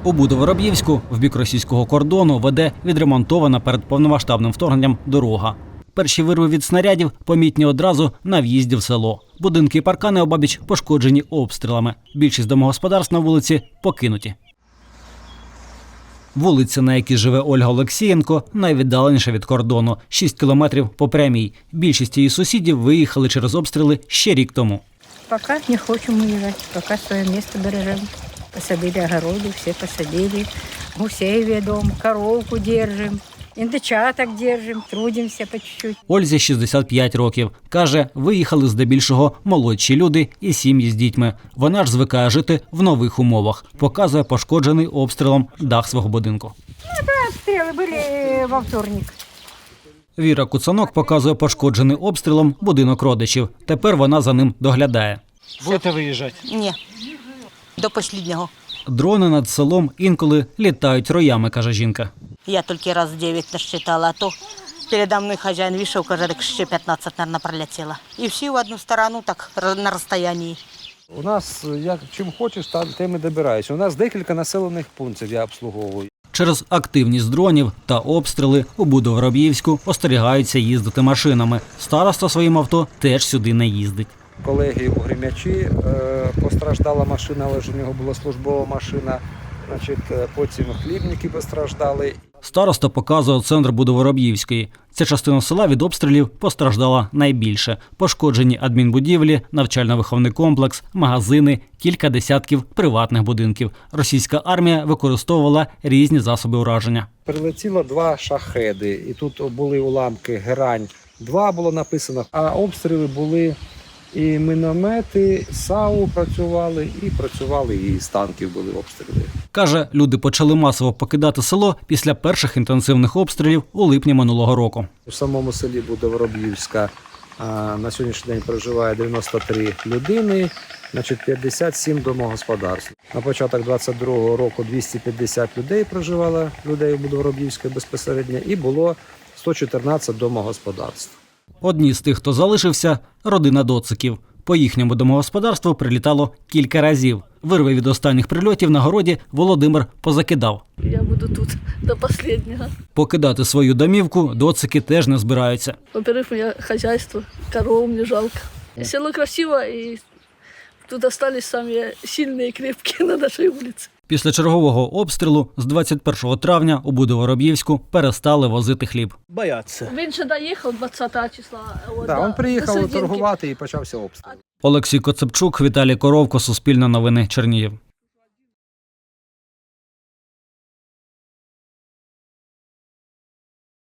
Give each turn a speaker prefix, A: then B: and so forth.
A: У Будо-Вороб'ївську в бік російського кордону веде відремонтована перед повномасштабним вторгненням дорога. Перші вирви від снарядів помітні одразу на в'їзді в село. Будинки і паркани обабіч пошкоджені обстрілами. Більшість домогосподарств на вулиці покинуті. Вулиця, на якій живе Ольга Олексієнко, найвіддаленіша від кордону – 6 кілометрів по прямій. Більшість її сусідів виїхали через обстріли ще рік тому.
B: Поки не хочемо виїжджати, поки своє місце бережемо. Посадили огороди, всі посадили, гусей ведемо, коровку держимо, індичаток держимо, трудимося по чуть-чуть.
A: Ользі 65 років. Каже, виїхали здебільшого молодші люди і сім'ї з дітьми. Вона ж звикає жити в нових умовах. Показує пошкоджений обстрілом дах свого будинку.
B: Обстріли були во вторник.
A: Віра Куцанок показує пошкоджений обстрілом будинок родичів. Тепер вона за ним доглядає.
C: Будете виїжджати?
D: Ні, до останнього.
A: Дрони над селом інколи літають роями, каже жінка.
D: Я тільки раз 9 насчитала, а то передо мною хазяїн вийшов, каже, так ще 15, мабуть, пролетіло. І всі в одну сторону, так на розстоянні.
C: У нас, як чим хочеш, тим і добираюся. У нас декілька населених пунктів я обслуговую.
A: Через активність дронів та обстріли у Будо-Вороб'ївську остерігаються їздити машинами. Староста своїм авто теж сюди не їздить.
C: Колеги у Гремячі постраждала машина, але ж у нього була службова машина. Потім хлібники постраждали.
A: Староста показує центр Будо-Вороб'ївської. Ця частина села від обстрілів постраждала найбільше. Пошкоджені адмінбудівлі, навчально-виховний комплекс, магазини, кілька десятків приватних будинків. Російська армія використовувала різні засоби ураження.
C: Прилетіло 2 шахеди, і тут були уламки «Герань-2» було написано, а обстріли були і міномети, САУ працювали, і з танків були обстріли.
A: Каже, люди почали масово покидати село після перших інтенсивних обстрілів у липні минулого року.
C: У самому селі Будо-Вороб'ївська на сьогоднішній день проживає 93 людини, 57 домогосподарств. На початок 22-го року 250 людей проживало, людей у Будо-Вороб'ївській безпосередньо, і було 114 домогосподарств.
A: Одні з тих, хто залишився – родина Доциків. По їхньому домогосподарству прилітало кілька разів. Вирви від останніх прильотів на городі Володимир позакидав.
E: Я буду тут до останнього.
A: Покидати свою домівку Доцики теж не збираються.
E: Во-первых, у меня хозяйство, корову мне жалко. Село красиво, и тут остались самые сильные и крепкие на нашей улице.
A: Після чергового обстрілу з 21 травня у Будо-Вороб'ївську перестали возити хліб.
C: Бояться.
E: Він ще доїхав 20 числа.
C: Він приїхав торгувати і почався обстріл.
A: Олексій Коцепчук, Віталій Коровко, Суспільне новини, Чернігів.